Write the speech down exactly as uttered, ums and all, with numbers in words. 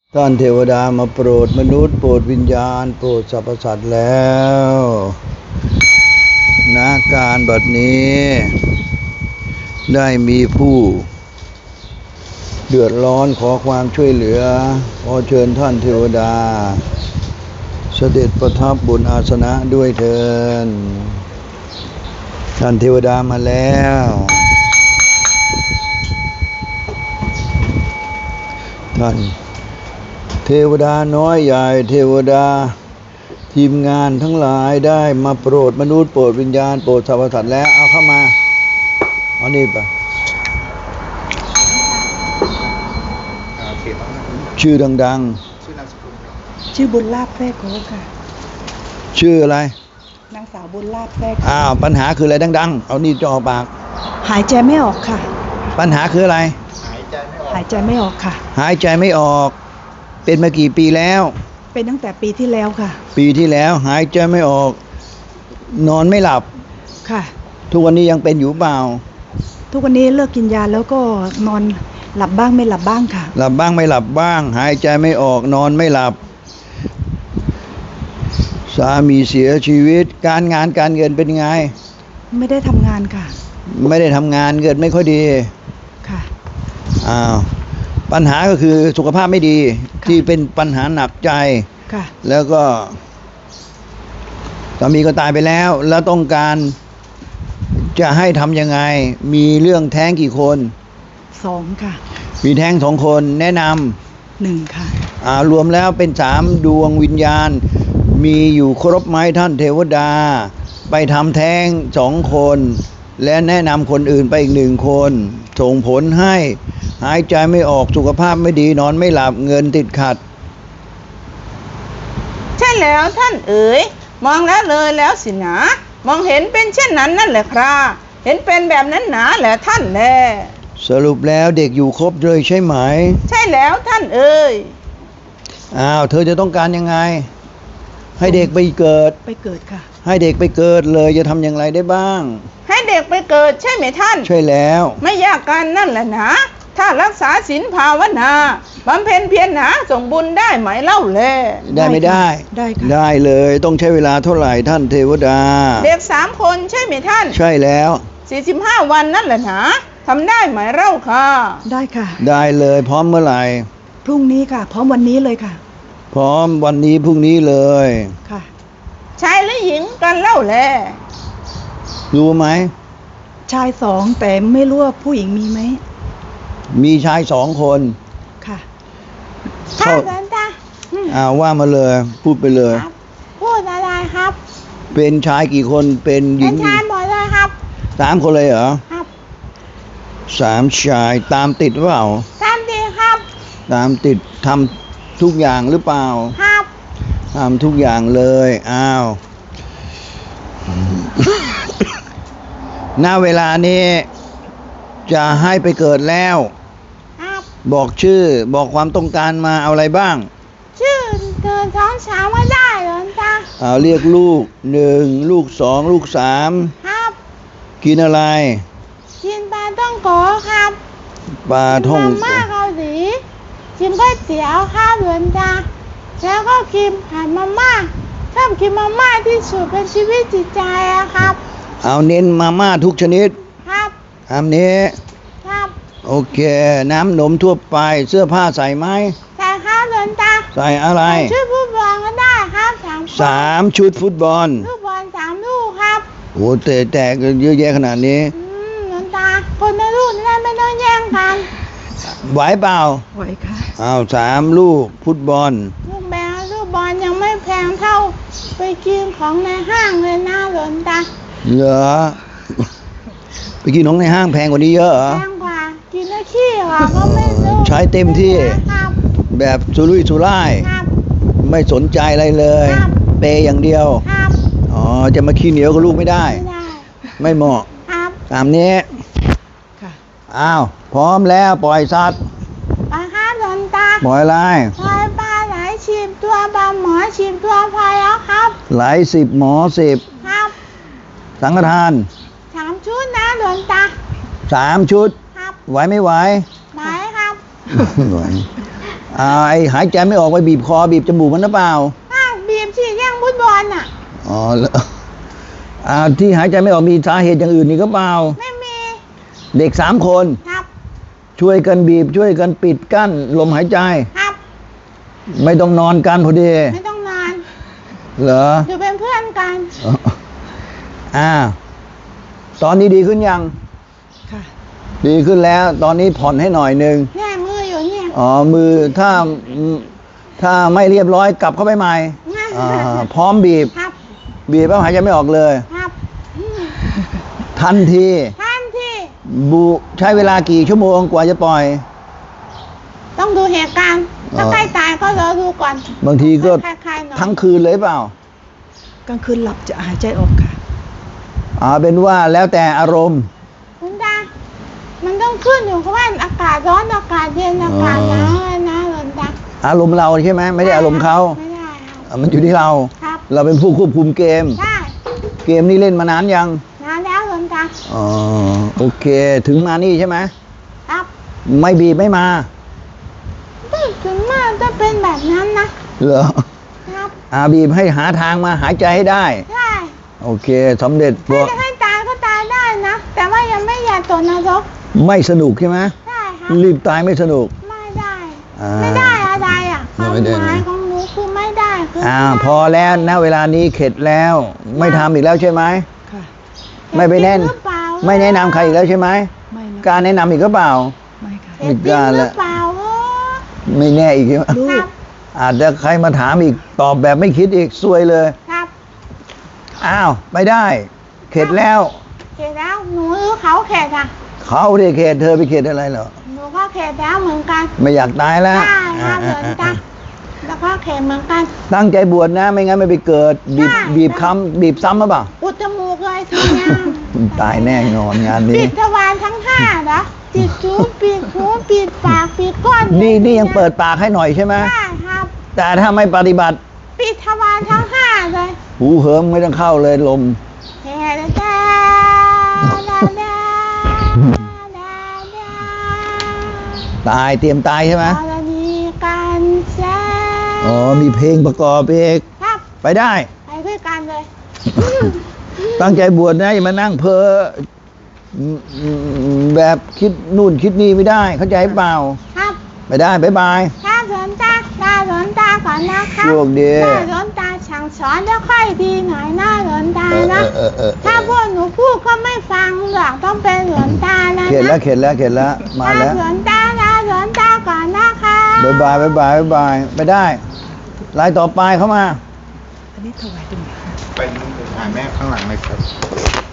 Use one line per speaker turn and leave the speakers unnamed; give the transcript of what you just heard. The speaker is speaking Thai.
ท่านเทวดามาโปรดมนุษย์โปรดวิญญาณโปรดสรรพสัตว์แล้วณการบัดนี้ได้มีผู้เดือดร้อนขอความช่วยเหลือขอเชิญท่านเทวดาเสด็จประทับบนอาสนะด้วยเถิดท่านเทวดามาแล้วท่านเทวดาน้อยใหญ่เทวดาทีมงานทั้งหลายได้มาโปรดมนุษย์โปรดวิญญาณโปรดสรรพสัตว์แล้วเอาเข้ามาเอานี่ไปชื่อดังๆ
ชื่อบุญลาภแทรกโคค่ะ
ชื่ออะไร
นางสาวบุญลาภแทรก
อ้าวปัญหาคืออะไรดังๆเอานี่จ่อปาก
หายใจไม่ออกค่ะ
ปัญหาคืออะไร
หายใจไม่ออกหายใจไม่ออกค่ะ
หายใจไม่ออกเป็นมากี่ปีแล้ว
เป็นตั้งแต่ปีที่แล้วค่ะ
ปีที่แล้วหายใจไม่ออกนอนไม่หลับ
ค่ะ
ทุกวันนี้ยังเป็นอยู่เปล่า
ทุกวันนี้เลิกกินยาแล้วก็นอนหลับบ้างไม่หลับบ้างค่ะ
หลับบ้างไม่หลับบ้างหายใจไม่ออกนอนไม่หลับสามีเสียชีวิตการงานการเงินเป็นไง
ไม่ได้ทำงานค่ะ
ไม่ได้ทำงานเงินไม่ค่อยดี
ค่ะ
อ้าวปัญหาก็คือสุขภาพไม่ดีที่เป็นปัญหาหนักใจ
ค่ะ
แล้วก็สามีก็ตายไปแล้วแล้วต้องการจะให้ทำยังไงมีเรื่องแท้งกี่คน
สองค่ะ
มีแท้งสองคนแนะนำ
หนึ่งค่ะ
อ่ารวมแล้วเป็นสามดวงวิญญาณมีอยู่ครบไหมท่านเทวดาไปทำแท้งสองคนและแนะนำคนอื่นไปอีกหนึ่งคนส่งผลให้หายใจไม่ออกสุขภาพไม่ดีนอนไม่หลับเงินติดขัด
ใช่แล้วท่านเอ๋ยมองแล้วเลยแล้วสินะมองเห็นเป็นเช่นนั้นนั่นแหละครับเห็นเป็นแบบนั้นหนาแหละท่านแล
สรุปแล้วเด็กอยู่ครบเลยใช่ไหม
ใช่แล้วท่านเอ๋ย
อ้าวเธอจะต้องการยังไงให้เด็กไปเกิด
ไปเกิดค่ะ
ให้เด็กไปเกิดเลยจะทำอย่างไรได้บ้าง
ให้เด็กไปเกิดใช่ไหมท่าน
ใช่แล้ว
ไม่ยากกันนั่นแหละนะถ้ารักษาศีลภาวนาบำเพ็ญเพียรหนาส่งบุญได้ไหมเล่าแล
ได้ไม่ได้
ได้ค่ะ
ได้เลยต้องใช้เวลาเท่าไหร่ท่านเทวดา
เด็กสามคนใช่ไหมท่าน
ใช่แล้ว
สี่สิบห้าวันนั่นแหละนะทำได้ไหมเล่าค่ะ
ได้ค่ะ
ได้เลยพร้อมเมื่อไหร่
พรุ่งนี้ค่ะพร้อมวันนี้เลยค่ะ
พร้อมวันนี้พรุ่งนี้เลย
ค่ะ
ชายหรือหญิงกันเล่าแล
รู้ไหม
ชายสองแต่ไม่รู้ว่าผู้หญิงมีไหม
มีชายสองคน
ค่ะ
ท่านอาจารย์
อ่าว่ามาเลยพูดไปเลย
พูดอะไรครับ
เป็นชายกี่คนเป็นหญิง
เป็นชายหมดเลยครับ
สามคนเลยเหรอ
ครับ
สามชายตามติดหรือเปล่า
ตามติดครับ
ตามติดทำทุกอย่างหรือเปล่า
ครับ
ทำทุกอย่างเลยอ้าวณเวลานี้จะให้ไปเกิดแล้วบอกชื่อบอกความต้องการมาเอาอะไรบ้าง
ชื่อเกินสองสามไม่ได้หรอจ๊ะ
เอาเรียกลูกหนึ่งลูกสองลูกสาม
ครับ
กินอะไร
กินปลาท่องโกครับ
ปลาท่องโก
มาม่าเกาหลีกินก๋วยเตี๋ยวครับหลวงตาแล้วก็กินผัดมาม่าชอบกินมาม่าที่สุดเป็นชีวิตจิตใจอะครับ
เอาเน้นมาม่าทุกชนิด
ครับ
ตามนี้
ครับ
โอเคน้ำนมทั่วไปเสื้อผ้าใส่ไหม
ใส่ครับหลวงตา
ใส่อะไร
ชุดฟุตบอลก็ได้ครับสาม
สามชุดฟุตบอล
ฟุตบอลสามลูกครับ
โอ้แต่แตกเยอะแยะขนาดนี้
อืมหลวงตาคนในลูกนี่ไม่ต้องแย่งกัน
ไหวเปล่า
ไหวค่ะ
อ้าวสามลูกฟุตบอล
ลูกแบลลูกบอลยังไม่แพงเท่าไปกินของในห้างเลยนะหลวงตา
เหรอไปกินของในห้างแพงกว่านี้เยอะเหรอ
แพงกว่ากินแล้วขี้ค่ะก็ไม่รู้
ใช้เต็มที่แบบสุรุ่ยสุร่ายไม่สนใจอะไรเลยเปย์อย่างเดียวอ๋อจะมาขี้เหนียวกับลูกไม่ได้ไม่เหมาะตามนี้อ้าวพร้อมแล้วปล่อยสัตว์
ปลาครับหลวงตา
ปล่อยอะไร
ปล่อยปลาไหลสิบตัวปลาหมอสิบตัวพอแล้วครับ
ไหลสิบหมอสิบ
ครับ
สังฆทาน
สามชุดนะหลวงตา
สามชุด
ครับ
ไหวไม่ไหว
ไหวครับ
ไหวอ่าไอหายใจไม่ออกไปบีบคอบีบจมูกมันหรือเปล่า
อ้าวบีบฉีดย่างฟุตบอลอ่ะ
อ๋อแล้วอ่าที่หายใจไม่ออกมีสาเหตุอย่างอื่นนี่ก็เปล่า
ไม่มี
เด็กสามคน
ครับ
ช่วยกันบีบช่วยกันปิดกั้นลมหายใจ
ครับ
ไม่ต้องนอนกันพอดี
ไม่ต้องนอน
เหรอ
อยู่เป็นเพื่อนกัน
อ๋ออ่าตอนนี้ดีขึ้นยัง
ค่ะ
ดีขึ้นแล้ว ตอนนี้ผ่อนให้หน่อยหนึ่ง
เนี่ยมืออยู่เนี่ย
อ๋อมือถ้าถ้าไม่เรียบร้อยกลับเข้าไปใหม่อ่าพร้อมบีบ
ครับ
บีบแล้วหายใจไม่ออกเลย
ครับอืม
ทันที
ท่านที่
บุใช้เวลากี่ชั่วโมงกว่าจะปล่อย
ต้องดูเหตุการณ์ ถ้า
อ๋อ
ใกล้ตายก็รอดูก่อน
บางทีก็
คล้ายๆหน่อย
ทั้งคืนเลยเปล่า
กลางคืนหลับจะหายใจออกค่ะ
อ่าเป็นว่าแล้วแต่อารมณ์
คุณตามันต้องขึ้นอยู่กับว่าอากาศร้อนอากาศเย็นอากาศหนาวอะนะหลนตา
อารมณ์เราใช่ไหมไม่ได้อารมณ์เขา
ไม่ได้ครับ
อ่ะมันอยู่ที่เรา
ครับ
เราเป็นผู้ควบคุมเกม
ได้
เกมนี้เล่นมานานยัง
นานแล้วหลนตา
อ๋อโอเค ถึงมานี่ใช่ไหม
ครับ
ไม่บีบไม่มา
อืมถึงมากจะเป็นแบบนั้นนะ
เหรอ
ครับ
อาบีบให้หาทางมาหายใจให้ได้
ใช่
โอเคสำเร็จบ
ถ้า
อก
จะให้ตายก็ตายได้นะ แต่ว่ายังไม่อยากตกนรก
ไม่สนุกใช่ไหม
ได้ครับ
รีบตายไม่สนุก
ไม่ได้
อ่า
ไม่ได้อะไรอ่ะค
ไม่
วาม
ได้
หมายของหนูคือไม่ได้คือ
อ่า
ไม่ได้
พอแล้วณเวลานี้เข็ดแล้ว ไม่ทำอีกแล้วใช่ไหม
ค่ะ
ไม่ไปแน่น
เจ็บจริงหรือเปล่า
ไม่แนะนำใครอีกแล้วใช่ไหม
ไม่นะ
การแนะนำอีกก็เปล่า
ไม่ค่ะ
เจ็บจริงหรือเปล่าเออ
ไม่แน่อีกใช่ไหม
ลู
ครั
ก
บ
อาจจะใครมาถามอีกตอบแบบไม่คิดอีกซวยเลย
ครับ
อ้าวไม่ได้ เข็ดแล้ว
เข็ดแล้วหนูหรือเขาเข็ดอ่ะ
เขาเรียกเข็ดเธอไปเข็ดอะไรเหรอ
หนูก็เข็ดแล้วเหมือนกัน
ไม่อยากตายแล้ว
ได้ครับเห
อ่า
มือน
ๆ
กันแล้วก็เข็ดเหมือนกัน
ๆตั้งใจบวชนะ ไม่งั้นไม่ไปเกิด บีบ
ได้
บีบคำบีบซ้ำหรือเปล่า
อุดจมูกเลยทีเนี้ย
ตายแน่นอนงาน
ปิ
นี้
ดทวารทั้งห้าเหรอปิดจูปิดหูปิดปากปิดก้น
นี่นี่ยังเปิดปากให้หน่อยใช่ไหม
ได้ครับ
แต่ถ้าไม่ปฏิบัติ
ปิดทวารทั้งห้าเลย
หูเหิมไม่ต้องเข้าเลยลม
แฮ่ดาดาดาดาดาดา
ตายเตรียมตายใช่ไหม
กรณีการแซ่
อ๋อมีเพลงประกอบเอก
ครับ
ไปได้
ไปด้วยกันเลย
ตั้งใจบวชนะอย่ามานั่งเพ้ออืมอืมแบบคิดนู่นคิดนี่ไม่ได้ เข้าใจเปล่า
ครับ
ไปได้บ๊ายบาย
ถ้าสนตาตาสนตาก่อนนะครับ
โชคดี
ถ้าสนตาสั่งสอนแล้วค่อยดีหน่อยนะหลนตา
เออ
นะ
เออเออเออ
ถ้าพวกหนูพูดก็ไม่ฟังหรอกต้องเป็นหลนตานะ
เข็ดแล้ว
นะ
เข็ดแล้วเข็ดแล้วมาแล้ว
หลนตานะหลนตาก่อนนะคะ
บ๊ายบายบ๊ายบายบ๊ายบายไปได้รายต่อไปเข้ามา
อันนี้ถวายตรงไหน
ไปนู่นไปหาแม่ข้างหลังเลยครับ